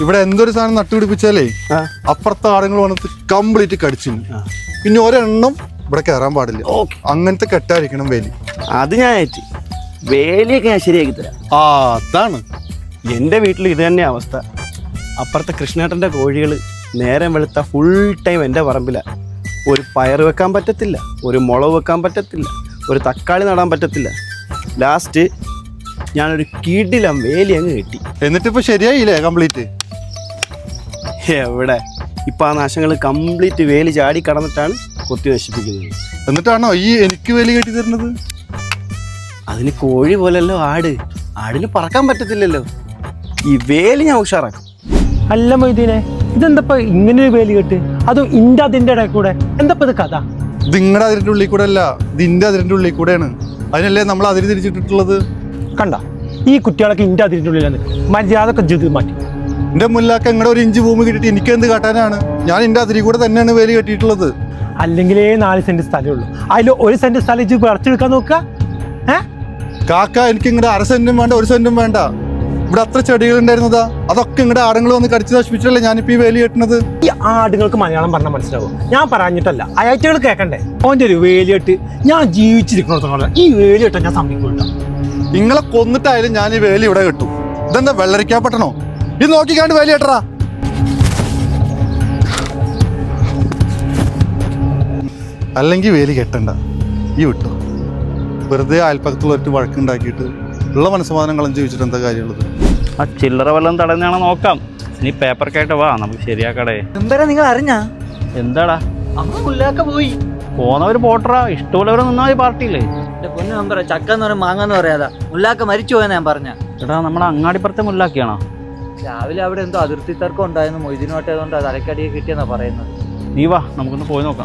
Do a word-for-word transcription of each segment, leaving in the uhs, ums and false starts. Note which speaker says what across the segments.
Speaker 1: ഇവിടെ എന്തൊരു സാധനം നട്ടുപിടിപ്പിച്ചാലേ അപ്പുറത്തെ ആടുങ്ങൾ വന്നിട്ട് കംപ്ലീറ്റ് കടിച്ചു. പിന്നെ ഒരെണ്ണം ഇവിടെ കയറാൻ പാടില്ല. അങ്ങനത്തെ കെട്ടായിരിക്കണം വേലി.
Speaker 2: അത് ഞാൻ ഏറ്റി വേലിയൊക്കെ ഞാൻ ശരിയാക്കി തരാം.
Speaker 1: ആ അതാണ്
Speaker 2: എൻ്റെ വീട്ടിൽ ഇത് തന്നെ അവസ്ഥ. അപ്പുറത്തെ കൃഷ്ണേട്ടൻ്റെ കോഴികൾ നേരം വെളുത്ത ഫുൾ ടൈം എൻ്റെ പറമ്പിലാണ്. ഒരു പയർ വെക്കാൻ പറ്റത്തില്ല, ഒരു മുളക് വെക്കാൻ പറ്റത്തില്ല, ഒരു തക്കാളി നടാൻ പറ്റത്തില്ല. ലാസ്റ്റ് ഞാനൊരു കീടിലം വേലി അങ്ങ് കെട്ടി.
Speaker 1: എന്നിട്ടിപ്പോൾ ശരിയായില്ലേ കംപ്ലീറ്റ്?
Speaker 2: എവിടെ, ഇപ്പം ആ നാശങ്ങൾ കംപ്ലീറ്റ് വേലി ചാടി കടന്നിട്ടാണ് കൊത്തി നശിപ്പിക്കുന്നത്.
Speaker 1: എന്നിട്ടാണോ ഈ എനിക്ക് വേലി കെട്ടി തരുന്നത്?
Speaker 2: അതിന് കോഴി പോലല്ലോ ആട്, ആടിന് പറക്കാൻ പറ്റത്തില്ലല്ലോ. ഈ വേലി ഞാൻ ഉഷാറാക്കും.
Speaker 3: അല്ല മൊയ്തീനെ, ഇതെന്തപ്പോ ഇങ്ങനെ ഒരു വേലി കെട്ട്? അതും ഇന്റെ അതിന്റെ ഇടയിൽ കൂടെ, എന്തപ്പോ ഇത് കഥ?
Speaker 1: ഇത് നിങ്ങളുടെ അതിരിന്റെ ഉള്ളിൽ കൂടെ അല്ല, ഇതിന്റെ അതിരിന്റെ ഉള്ളിൽ കൂടെയാണ്. അതിനല്ലേ നമ്മൾ അതിരി തിരിച്ചിട്ടിട്ടുള്ളത്.
Speaker 3: കണ്ട, ഈ കുട്ടികളൊക്കെ ഇന്റെ അതിരിന്റെ ഉള്ളിലാണ്. മര്യാദക്ക് ജീവിതം മാറ്റി.
Speaker 1: എന്റെ മുല്ലാക്ക എങ്ങടെ ഒരു ഇഞ്ച് ഭൂമി കിട്ടിയിട്ട് എനിക്ക് എന്ത് കാട്ടാനാണ്? ഞാൻ എന്റെ അതിരി കൂടെ തന്നെയാണ് വേലി കെട്ടിയിട്ടുള്ളത്.
Speaker 3: അല്ലെങ്കിലേ നാല് സെന്റ് സ്ഥലമേ ഉള്ളൂ, അതിൽ ഒരു സെന്റ് സ്ഥലം ഇജ്ജ് പറിച്ചെടുക്കാൻ നോക്ക. ഏഹ്
Speaker 1: കാക്ക, എനിക്ക് ഇങ്ങടെ അര സെന്റും വേണ്ട ഒരു സെന്റും വേണ്ട. ഇവിടെ അത്ര ചെടികൾ ഉണ്ടായിരുന്നതാ, അതൊക്കെ ഇങ്ങടെ ആടുകൾ വന്ന് കടിച്ചു നശിപ്പിച്ചല്ലേ ഞാനിപ്പോ ഈ വേലി കെട്ടുന്നത്.
Speaker 3: ഈ ആടുകൾക്ക് മലയാളം പറഞ്ഞാൽ മനസ്സിലാവും. ഞാൻ പറഞ്ഞിട്ടല്ല, അയാഴ്ചകൾ കേൾക്കണ്ടേ? ഓൻ്റെ ഒരു വേലിയിട്ട് ഞാൻ ജീവിച്ചിരിക്കണോളം ഈ വേലി കെട്ടാൻ ഞാൻ സമ്മതിക്കൂട്ടോ.
Speaker 1: നിങ്ങളെ കൊന്നിട്ടായാലും ഞാൻ ഈ വേലി ഇവിടെ കെട്ടും. ഇതെന്താ വെള്ളരിക്കാൻ പറ്റണോ? ഇത് നോക്കിക്കാണ്ട് വേലി കെട്ടറാ. അല്ലെങ്കിൽ വേലി കെട്ടണ്ട, ഈ വിട്ടു. വെറുതെ അയൽപ്പക്കത്തുള്ളവർക്ക് വഴക്കുണ്ടാക്കിയിട്ട് ഉള്ള മനസ്സമാധാനം കളഞ്ഞ് ജീവിച്ചിട്ട് എന്താ കാര്യമുള്ളത്?
Speaker 4: ആ ചില്ലറ വല്ലതും തടഞ്ഞാണോ നോക്കാം. ഇനി പേപ്പർക്കായിട്ട് വാ, നമുക്ക് ശരിയാക്കടേ.
Speaker 5: എന്താ നിങ്ങൾ അറിഞ്ഞാ?
Speaker 4: എന്താടാ
Speaker 5: അമ്മ മുല്ലാക്ക പോയി.
Speaker 4: പോന്നവര് പോട്ടറാ, ഇഷ്ടമുള്ളവരെ നിന്നാ മതി പാർട്ടിയില്ലേ.
Speaker 5: എന്റെ പൊന്നു നമ്പറ, ചക്ക എന്ന് പറയാൻ മാങ്ങ എന്ന് പറയാതാ. മുല്ലാക്ക മരിച്ചു പോയെന്ന് ഞാൻ പറഞ്ഞ.
Speaker 4: എടാ, നമ്മളെ അങ്ങാടിപ്പുറത്തെ മുല്ലാക്കിയാണോ?
Speaker 5: രാവിലെ അവിടെ എന്തോ അതിർത്തി തർക്കം ഉണ്ടായിരുന്നു, മൊയ്തീനോട്ടായതുകൊണ്ട് തലക്കടിയെ കിട്ടിയെന്നാ പറയുന്നത്.
Speaker 4: നീ വാ, നമുക്കൊന്ന് പോയി നോക്കാം.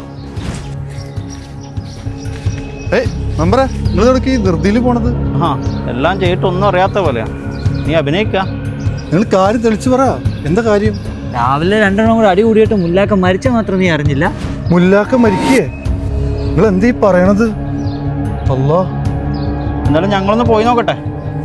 Speaker 1: ഏയ് നമ്പറേ, നിങ്ങൾ തുടക്കി ധൃതിയിൽ പോണത്?
Speaker 4: ആ, എല്ലാം ചെയ്തിട്ട് ഒന്നും അറിയാത്ത പോലെയാ. നീ അഭിനയിക്ക.
Speaker 1: നിങ്ങൾ കാര്യം തെളിച്ചു പറ, എന്താ കാര്യം?
Speaker 5: രാവിലെ രണ്ടെണ്ണം കൂടെ അടി കൂടിയിട്ട് മുല്ലാക്ക മരിച്ച മാത്രം നീ അറിഞ്ഞില്ല?
Speaker 1: മുല്ലാക്ക മരിക്കേ? നിങ്ങൾ എന്തീ പറയണത്? അല്ലാ,
Speaker 4: എന്നാലും ഞങ്ങളൊന്ന് പോയി നോക്കട്ടെ.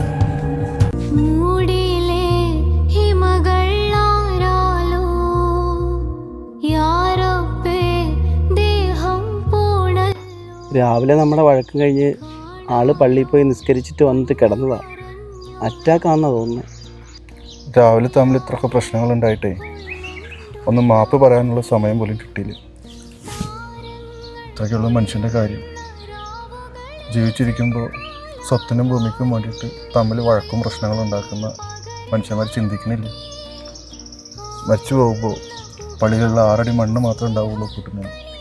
Speaker 2: രാവിലെ നമ്മുടെ വഴക്കം കഴിഞ്ഞ് ആള് പള്ളിയിൽ പോയി നിസ്കരിച്ചിട്ട് വന്നിട്ട് കിടന്നതാ. അറ്റാക്കാന്നാ തോന്നുന്നത്.
Speaker 1: രാവിലെ തമ്മിൽ ഇത്രയൊക്കെ പ്രശ്നങ്ങൾ ഉണ്ടായിട്ടേ ഒന്ന് മാപ്പ് പറയാനുള്ള സമയം പോലും കിട്ടിയില്ല. ഇത്രയ്ക്കുള്ള മനുഷ്യൻ്റെ കാര്യം. ജീവിച്ചിരിക്കുമ്പോൾ സ്വത്തിനും ഭൂമിക്കും വേണ്ടിയിട്ട് തമ്മിൽ വഴക്കും പ്രശ്നങ്ങളും ഉണ്ടാക്കുന്ന മനുഷ്യന്മാർ ചിന്തിക്കുന്നില്ല. മരിച്ചു പോകുമ്പോൾ പള്ളിയിലുള്ള ആറടി മണ്ണ് മാത്രമേ ഉണ്ടാവുള്ളൂ കൂട്ടുന്നത്.